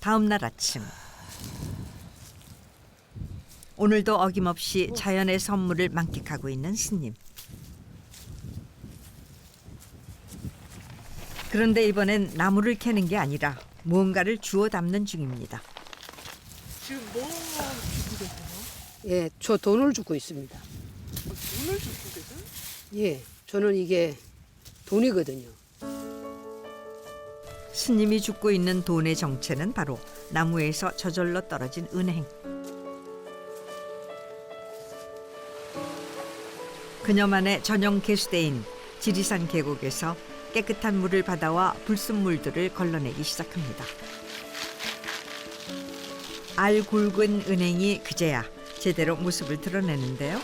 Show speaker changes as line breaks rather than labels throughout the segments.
다음 날 아침 오늘도 어김없이 자연의 선물을 만끽하고 있는 스님. 그런데 이번엔 나무를 캐는 게 아니라 무언가를 주워 담는 중입니다.
지금 뭐 주고 계세요?
예, 저 돈을 주고 있습니다.
돈을 주고 계세요?
예, 저는 이게 돈이거든요.
스님이 줍고 있는 돈의 정체는 바로 나무에서 저절로 떨어진 은행. 그녀만의 전용 개수대인 지리산 계곡에서 깨끗한 물을 받아와 불순물들을 걸러내기 시작합니다. 알 굵은 은행이 그제야 제대로 모습을 드러내는데요.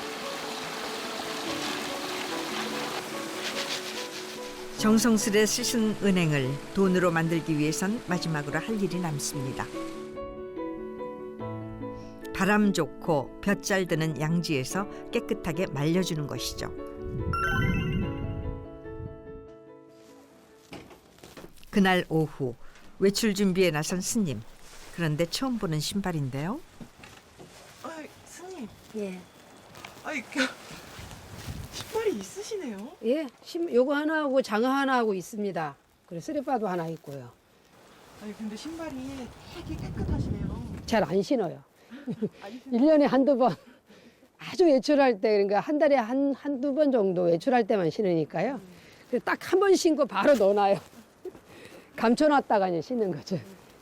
정성스레 씻은 은행을 돈으로 만들기 위해선 마지막으로 할 일이 남습니다. 바람 좋고 볕 잘 드는 양지에서 깨끗하게 말려주는 것이죠. 그날 오후 외출 준비에 나선 스님. 그런데 처음 보는 신발인데요.
아이, 스님.
예,
아이, 신발이 있으시네요?
예, 요거 하나 하고 장어 하나 하고 있습니다. 그리고 쓰레빠도 하나 있고요.
아니, 근데 신발이 되게 깨끗하시네요.
잘 안 신어요.
아니,
1년에 한두 번 아주 외출할 때 그러니까 한 달에 한두 번 정도 외출할 때만 신으니까요. 딱 한 번 신고 바로 넣어놔요. 감춰놨다가 이제 신는 거죠.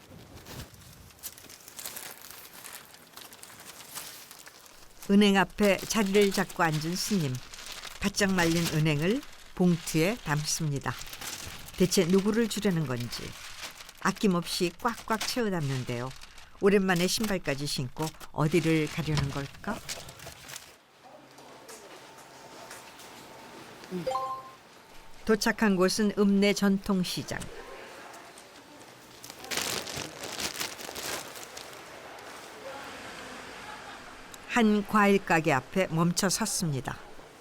은행 앞에 자리를 잡고 앉은 스님. 바짝 말린 은행을 봉투에 담습니다. 대체 누구를 주려는 건지 아낌없이 꽉꽉 채워 담는데요. 오랜만에 신발까지 신고 어디를 가려는 걸까? 도착한 곳은 읍내 전통시장. 한 과일 가게 앞에 멈춰 섰습니다.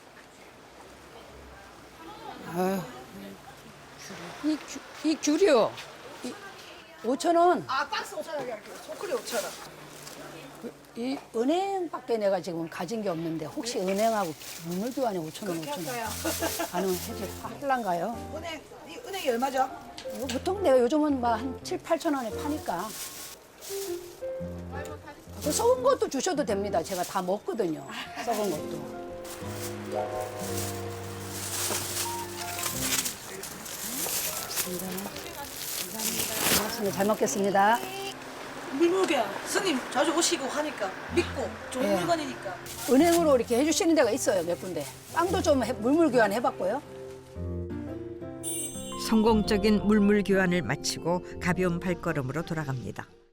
이 귤이요. 5,000원.
아, 박스 5,000원이 할게요. 초콜릿 5,000원.
이 은행밖에 내가 지금 가진 게 없는데 혹시 은행하고 물물 교환에 5,000원, 5,000원 가능은 할란가요?
이 은행이 얼마죠?
이거 보통 내가 요즘은 막 한 7, 8천 원에 파니까. 그 썩은 것도 주셔도 됩니다. 제가 다 먹거든요. 썩은 것도. 고맙습니다. 잘 먹겠습니다.
물무교환. 스님 자주 오시고 하니까 믿고 좋은
예.
물건이니까.
은행으로 이렇게 해주시는 데가 있어요. 몇 군데. 빵도 좀 물물 교환 해봤고요.
성공적인 물물 교환을 마치고 가벼운 발걸음으로 돌아갑니다.